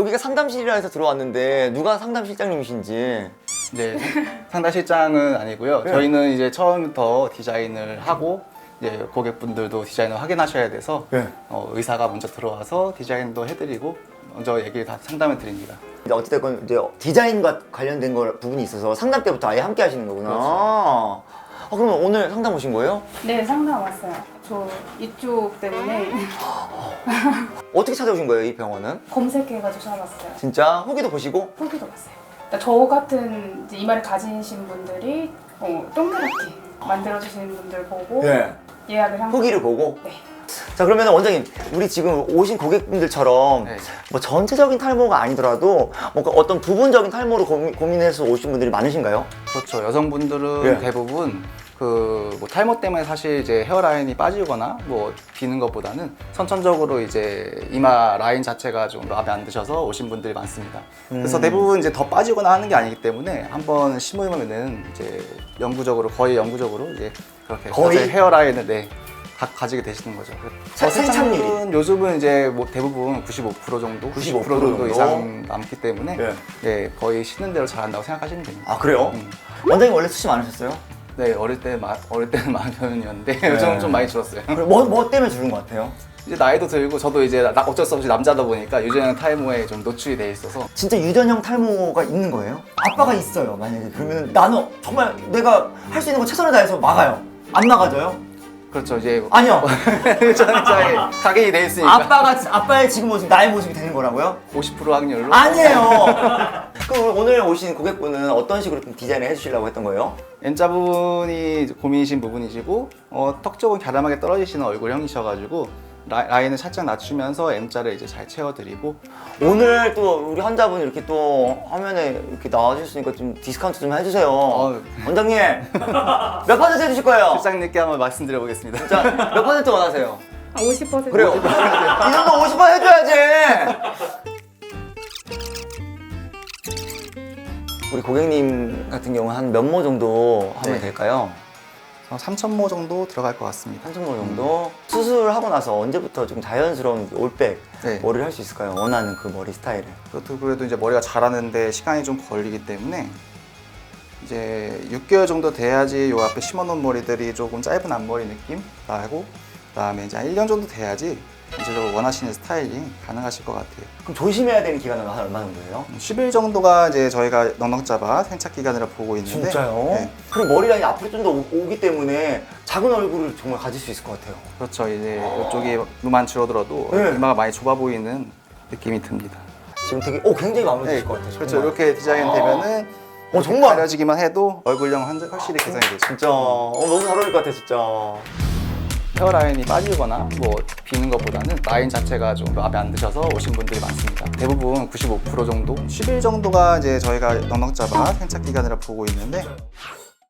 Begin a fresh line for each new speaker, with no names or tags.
여기가 상담실이라 해서 들어왔는데 누가 상담실장님이신지.
네, 상담실장은 아니고요.
네.
저희는 이제 처음부터 디자인을 하고 이제 고객분들도 디자인을 확인하셔야 돼서
네.
의사가 먼저 들어와서 디자인도 해드리고 먼저 얘기를 다 상담을 드립니다.
근데 어찌됐건 이제 디자인과 관련된 부분이 있어서 상담 때부터 아예 함께 하시는 거구나.
그렇죠.
그러면 오늘 상담 오신 거예요?
네, 상담 왔어요. 저 이쪽 때문에
어떻게 찾아오신 거예요, 이 병원은?
검색해가지고 찾아봤어요.
진짜 후기도 보시고?
후기도 봤어요. 그러니까 저 같은 이제 이마를 가지신 분들이 동그랗게 만들어주시는 분들 보고
네.
예약을 한 거예요.
후기를 보고?
네.
자, 그러면 원장님, 우리 지금 오신 고객분들처럼
네.
뭐 전체적인 탈모가 아니더라도 뭔가 어떤 부분적인 탈모로 고민해서 오신 분들이 많으신가요?
그렇죠. 여성분들은
네.
대부분 뭐 탈모 때문에 사실 이제 헤어라인이 빠지거나 뭐 비는 것보다는 선천적으로 이제 이마 라인 자체가 좀 마음에 안 드셔서 오신 분들이 많습니다. 그래서 대부분 이제 더 빠지거나 하는 게 아니기 때문에 한번 심으면은 이제 거의 영구적으로 이제 그렇게
거의?
헤어라인을 가지게 되시는 거죠.
생착률이?
생착률은 요즘은 이제 뭐 대부분 95% 정도,
95%
90% 정도
정도?
이상 남기 때문에
네.
네, 거의 쉬는 대로 잘한다고 생각하시면 됩니다.
아, 그래요? 원장님 원래 수치 많으셨어요?
네, 어릴 때는 많은 편이었는데
네.
요즘은 좀 많이 줄었어요.
그럼 뭐 때문에 줄은 것 같아요?
이제 나이도 들고 저도 이제 어쩔 수 없이 남자다 보니까 유전형 탈모에 좀 노출이 돼 있어서
진짜 유전형 탈모가 있는 거예요? 아빠가 있어요, 만약에. 그러면 나는 정말 내가 할 수 있는 거 최선을 다해서 막아요. 안 막아져요?
그렇죠 이제
아니요.
유전형 각인이 돼 있으니까
아빠의 지금 모습, 나의 모습이 되는 거라고요?
50% 확률로
아니에요. 그럼 오늘 오신 고객분은 어떤 식으로 좀 디자인을 해주시려고 했던 거예요?
M자 부분이 고민이신 부분이시고 턱 쪽은 갸름하게 떨어지시는 얼굴형이셔가지고 라인을 살짝 낮추면서 M자를 이제 잘 채워드리고
오늘 또 우리 환자분 이렇게 또 화면에 이렇게 나와주셨으니까 좀 디스카운트 좀 해주세요. 원장님 몇 퍼센트 해주실 거예요?
실장님께 한번 말씀드려 보겠습니다.
진짜 몇 퍼센트 원하세요?
50%.
그래요. 이 정도 50% 해줘야지. 우리 고객님 같은 경우는 한 몇 모 정도 하면
네.
될까요?
3,000모 정도 들어갈 것 같습니다.
3,000모 정도? 수술하고 나서 언제부터 좀 자연스러운 올백
네.
머리를 할 수 있을까요? 원하는 그 머리 스타일을.
그래도 이제 머리가 자라는데 시간이 좀 걸리기 때문에 이제 6개월 정도 돼야지 요 앞에 심어놓은 머리들이 조금 짧은 앞머리 느낌 나고 그다음에 이제 한 1년 정도 돼야지 전체적으로 원하시는 스타일링 가능하실 것 같아요.
그럼 조심해야 되는 기간은 한 얼마 정도예요?
10일 정도가 이제 저희가 넉넉 잡아 생착 기간이라 보고 있는데
진짜요?
네.
그럼 머리 라인이 앞으로 좀 더 오기 때문에 작은 얼굴을 정말 가질 수 있을 것 같아요.
그렇죠. 이제 이쪽이 눈만 줄어들어도
네.
이마가 많이 좁아 보이는 느낌이 듭니다.
지금 되게 굉장히 마음에 드실 것 같아요.
그렇죠.
정말.
이렇게 디자인 되면은
정말
가려지기만 해도 얼굴형 확실히 개선이 되죠.
진짜 너무 잘 어울릴 것 같아 진짜.
헤어라인이 빠지거나 뭐 비는 것보다는 라인 자체가 좀 마음에 안 드셔서 오신 분들이 많습니다. 대부분 95% 정도, 10일 정도가 이제 저희가 넉넉 잡아 생착 기간이라 보고 있는데